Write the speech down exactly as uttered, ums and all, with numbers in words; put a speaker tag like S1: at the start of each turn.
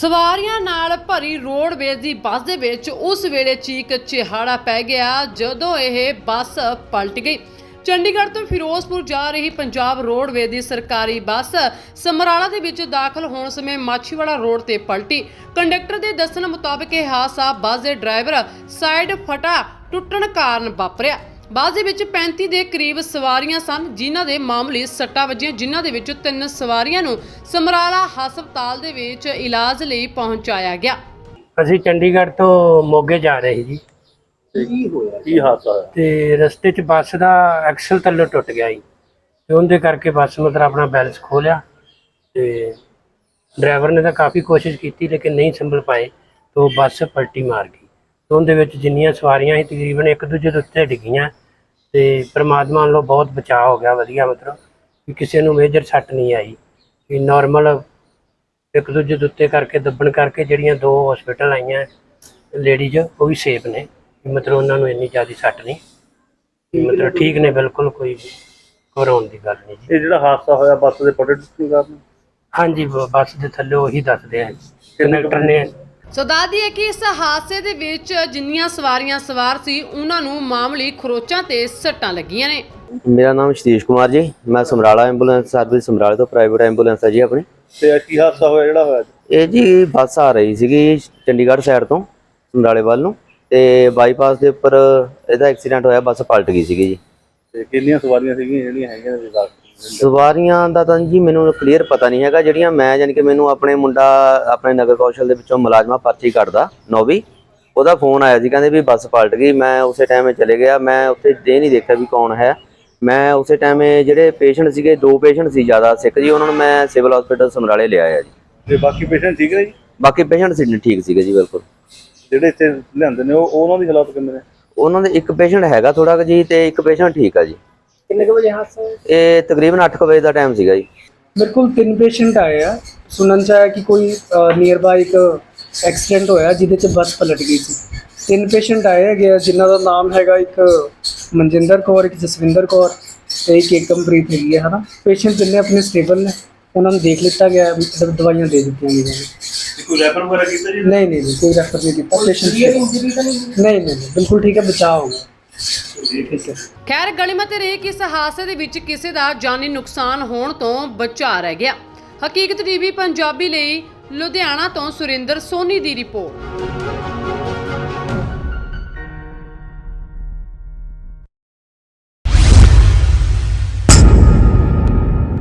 S1: ਸਵਾਰੀਆਂ ਨਾਲ ਭਰੀ ਰੋਡਵੇਜ਼ ਦੀ ਬੱਸ ਦੇ ਵਿੱਚ ਉਸ ਵੇਲੇ ਚੀਕ ਚਿਹਾੜਾ ਪੈ ਗਿਆ ਜਦੋਂ ਇਹ ਬੱਸ ਪਲਟ ਗਈ। ਚੰਡੀਗੜ੍ਹ ਤੋਂ ਫਿਰੋਜ਼ਪੁਰ ਜਾ ਰਹੀ ਪੰਜਾਬ ਰੋਡਵੇਜ਼ ਦੀ ਸਰਕਾਰੀ ਬੱਸ ਸਮਰਾਲਾ ਦੇ ਵਿੱਚ ਦਾਖਲ ਹੋਣ ਸਮੇਂ ਮਾਛੀਵਾੜਾ ਰੋਡ ਤੇ ਪਲਟੀ। ਕੰਡਕਟਰ ਦੇ ਦੱਸਣ ਮੁਤਾਬਕ ਇਹ ਹਾਦਸਾ ਬੱਸ ਦੇ ਡਰਾਈਵਰ ਸਾਈਡ ਫਟਾ ਟੁੱਟਣ ਕਾਰਨ ਵਾਪਰਿਆ। ਬੱਸ ਦੇ ਵਿੱਚ ਪੈਂਤੀ ਦੇ ਕਰੀਬ ਸਵਾਰੀਆਂ ਸਨ ਜਿਨ੍ਹਾਂ ਦੇ ਮਾਮੂਲੀ ਸੱਟਾਂ ਵੱਜੀਆਂ, ਜਿਨ੍ਹਾਂ ਦੇ ਵਿੱਚੋਂ ਤਿੰਨ ਸਵਾਰੀਆਂ ਨੂੰ ਸਮਰਾਲਾ ਹਸਪਤਾਲ ਦੇ ਵਿੱਚ ਇਲਾਜ ਲਈ ਪਹੁੰਚਾਇਆ ਗਿਆ।
S2: ਅਸੀਂ ਚੰਡੀਗੜ੍ਹ ਤੋਂ ਮੋਗੇ ਜਾ ਰਹੇ ਜੀ।
S3: ਕੀ ਹੋਇਆ, ਕੀ ਹਾਦਸਾ ਹੋਇਆ?
S2: ਤੇ ਰਸਤੇ 'ਚ ਬੱਸ ਦਾ ਐਕਸਲ ਥੱਲੇ ਟੁੱਟ ਗਿਆ ਜੀ ਤੇ ਉਹਦੇ ਕਰਕੇ ਬੱਸ ਮਤਲਬ ਆਪਣਾ ਬੈਲੈਂਸ ਖੋ ਲਿਆ ਤੇ ਡਰਾਈਵਰ ਨੇ ਤਾਂ ਕਾਫੀ ਕੋਸ਼ਿਸ਼ ਕੀਤੀ ਲੇਕਿਨ ਨਹੀਂ ਸੰਭਲ ਪਾਏ ਤਾਂ ਬੱਸ ਪਲਟੀ ਮਾਰ ਗਈ। ਤੇ ਉਹਦੇ ਵਿੱਚ ਜਿੰਨੀਆਂ ਸਵਾਰੀਆਂ ਸੀ ਤਕਰੀਬਨ ਇੱਕ ਦੂਜੇ ਦੇ ਉੱਤੇ ਡਿੱਗੀਆਂ ਤੇ ਪਰਮਾਤਮਾ ਵੱਲੋਂ ਬਹੁਤ ਬਚਾਅ ਹੋ ਗਿਆ, ਵਧੀਆ ਮਤਲਬ ਕਿ ਕਿਸੇ ਨੂੰ ਮੇਜਰ ਸੱਟ ਨਹੀਂ ਆਈ। ਕਿ ਨਾਰਮਲ ਇੱਕ ਦੂਜੇ ਦੇ ਉੱਤੇ ਕਰਕੇ ਦੱਬਣ ਕਰਕੇ ਜਿਹੜੀਆਂ ਦੋ ਹਸਪੀਟਲ ਆਈਆਂ ਲੇਡੀਜ਼ ਉਹ ਵੀ ਸੇਫ ਨੇ, ਮਤਲਬ ਉਹਨਾਂ ਨੂੰ ਇੰਨੀ ਜ਼ਿਆਦਾ ਸੱਟ ਨਹੀਂ, ਮਤਲਬ ਠੀਕ ਨੇ ਬਿਲਕੁਲ, ਕੋਈ ਘਬਰਾਉਣ ਦੀ ਗੱਲ ਨਹੀਂ ਜੀ।
S3: ਇਹ ਜਿਹੜਾ ਹਾਦਸਾ ਹੋਇਆ ਬੱਸ ਦੇ ਪਲਟਣ ਕਾਰਨ?
S2: ਹਾਂਜੀ, ਬੱਸ ਦੇ ਥੱਲੇ ਉਹੀ ਦੱਸਦੇ ਆ ਕੰਡਕਟਰ ਨੇ।
S1: ਸੋ ਦੱਸਦੀ ਹੈ ਕਿ ਇਸ ਹਾਦਸੇ ਦੇ ਵਿੱਚ ਜਿੰਨੀਆਂ ਸਵਾਰੀਆਂ ਸਵਾਰ ਸੀ ਉਹਨਾਂ ਨੂੰ ਮਾਮੂਲੀ ਖਰੋਚਾਂ ਤੇ ਸੱਟਾਂ ਲੱਗੀਆਂ ਨੇ।
S4: ਮੇਰਾ ਨਾਮ ਸਤੀਸ਼ ਕੁਮਾਰ ਜੀ, ਮੈਂ ਸਮਰਾਲਾ ਐਂਬੂਲੈਂਸ ਸਰਵਿਸ ਸਮਰਾਲੇ ਤੋਂ ਪ੍ਰਾਈਵੇਟ ਐਂਬੂਲੈਂਸ ਹੈ ਜੀ ਆਪਣੀ।
S3: ਤੇ ਕੀ ਹਾਦਸਾ ਹੋਇਆ ਜਿਹੜਾ ਹੋਇਆ?
S4: ਇਹ ਜੀ ਬੱਸ ਆ ਰਹੀ ਸੀਗੀ ਚੰਡੀਗੜ੍ਹ ਸਾਈਡ ਤੋਂ ਸਮਰਾਲੇ ਵੱਲ ਨੂੰ ਤੇ ਬਾਈਪਾਸ ਦੇ ਉੱਪਰ ਇਹਦਾ ਐਕਸੀਡੈਂਟ ਹੋਇਆ, ਬੱਸ ਪਲਟ ਗਈ ਸੀਗੀ ਜੀ।
S3: ਤੇ ਕਿੰਨੀਆਂ ਸਵਾਰੀਆਂ ਸੀਗੀਆਂ ਜਿਹੜੀਆਂ ਹੈਗੀਆਂ ਨੇ?
S4: ਸਵਾਰੀਆਂ ਦਾ ਤਾਂ ਜੀ ਮੈਨੂੰ ਕਲੀਅਰ ਪਤਾ ਨਹੀਂ ਹੈਗਾ। ਜਿਹੜੀਆਂ ਮੈਂ ਯਾਨੀ ਕਿ ਮੈਨੂੰ ਆਪਣੇ ਮੁੰਡਾ ਆਪਣੇ ਨਗਰ ਕੌਸ਼ਲ ਦੇ ਵਿੱਚੋਂ ਮੁਲਾਜ਼ਮਾ ਪਰਚੀ ਕੱਢਦਾ ਨੌਵੀਂ, ਉਹਦਾ ਫੋਨ ਆਇਆ ਸੀ, ਕਹਿੰਦੇ ਵੀ ਬੱਸ ਪਲਟ ਗਈ। ਮੈਂ ਉਸੇ ਟਾਈਮ ਚਲੇ ਗਿਆ, ਮੈਂ ਉੱਥੇ ਇਹ ਨਹੀਂ ਦੇਖਿਆ ਵੀ ਕੌਣ ਹੈ। ਮੈਂ ਉਸੇ ਟਾਈਮ ਜਿਹੜੇ ਪੇਸ਼ੈਂਟ ਸੀਗੇ, ਦੋ ਪੇਸ਼ੈਂਟ ਸੀ ਜ਼ਿਆਦਾ ਸਿੱਖ ਜੀ, ਉਹਨਾਂ ਨੂੰ ਮੈਂ ਸਿਵਲ ਹਸਪੀਟਲ ਸਮਰਾਲੇ ਲਿਆਇਆ ਜੀ।
S3: ਤੇ ਬਾਕੀ ਪੇਸ਼ੈਂਟ ਠੀਕ ਨੇ ਜੀ?
S4: ਬਾਕੀ ਪੇਸ਼ੈਂਟ ਸੀ ਠੀਕ ਸੀਗੇ ਜੀ ਬਿਲਕੁਲ।
S3: ਜਿਹੜੇ ਇੱਥੇ ਲਿਆਂਦੇ ਨੇ ਉਹ ਉਹਨਾਂ ਦੀ ਹਾਲਤ ਕਿਵੇਂ ਨੇ?
S4: ਉਹਨਾਂ ਦੇ ਇੱਕ ਪੇਸ਼ੈਂਟ ਹੈਗਾ ਥੋੜਾ ਕੁ ਜੀ ਤੇ ਇੱਕ ਪੇਸ਼ੈਂਟ ਠੀਕ ਆ ਜੀ।
S5: ਕਿੰਨੇ ਕੁ ਵਜੇ ਹਾਦਸਾ ਹੋਇਆ?
S4: ਇਹ ਤਕਰੀਬਨ ਅੱਠ ਕੁ ਵਜੇ ਦਾ ਟਾਈਮ ਸੀਗਾ ਜੀ।
S5: ਮੇਰੇ ਕੋਲ ਤਿੰਨ ਪੇਸ਼ੈਂਟ ਆਏ ਆ। ਸੁਣਨ 'ਚ ਆਇਆ ਕਿ ਕੋਈ ਨੀਅਰ ਬਾਈ ਇੱਕ ਐਕਸੀਡੈਂਟ ਹੋਇਆ ਜਿਹਦੇ 'ਚ ਬੱਸ ਪਲਟ ਗਈ ਸੀ। ਤਿੰਨ ਪੇਸ਼ੈਂਟ ਆਏ ਹੈਗੇ ਜਿਨ੍ਹਾਂ ਦਾ ਨਾਮ ਹੈਗਾ ਇੱਕ ਮਨਜਿੰਦਰ ਕੌਰ, ਇੱਕ ਜਸਵਿੰਦਰ ਕੌਰ ਤੇ ਇੱਕ ਏਕਮਪ੍ਰੀਤ ਹੈਗੀ ਹੈ, ਹੈ ਨਾ। ਪੇਸ਼ੈਂਟ ਜਿੰਨੇ ਆਪਣੇ ਸਟੇਬਲ ਨੇ, ਉਹਨਾਂ ਨੂੰ ਦੇਖ ਲਿੱਤਾ ਗਿਆ, ਦਵਾਈਆਂ ਦੇ ਦਿੱਤੀਆਂ ਗਈਆਂ ਨੇ।
S3: ਕੋਈ ਰੈਫਰ ਵਗੈਰਾ ਕੀਤਾ ਜੀ?
S5: ਨਹੀਂ ਨਹੀਂ ਕੋਈ ਰੈਫਰ ਨਹੀਂ ਕੀਤਾ ਪੇਸ਼ੈਂਟ। ਨਹੀਂ ਨਹੀਂ ਬਿਲਕੁਲ ਠੀਕ ਹੈ, ਬਚਾਅ ਹੋ ਗਿਆ। ਠੀਕ ਹੈ।
S1: ਖੈਰ ਗਲੀਮਤ ਰਹੀ ਕਿ ਇਸ ਹਾਦਸੇ ਦੇ ਵਿੱਚ ਕਿਸੇ ਦਾ ਜਾਨੀ ਨੁਕਸਾਨ ਹੋਣ ਤੋਂ ਬਚਾ ਰਹਿ ਗਿਆ। ਹਕੀਕਤ ਟੀਵੀ ਪੰਜਾਬੀ ਲਈ ਲੁਧਿਆਣਾ ਤੋਂ ਸੁਰਿੰਦਰ ਸੋਨੀ ਦੀ ਰਿਪੋਰਟ।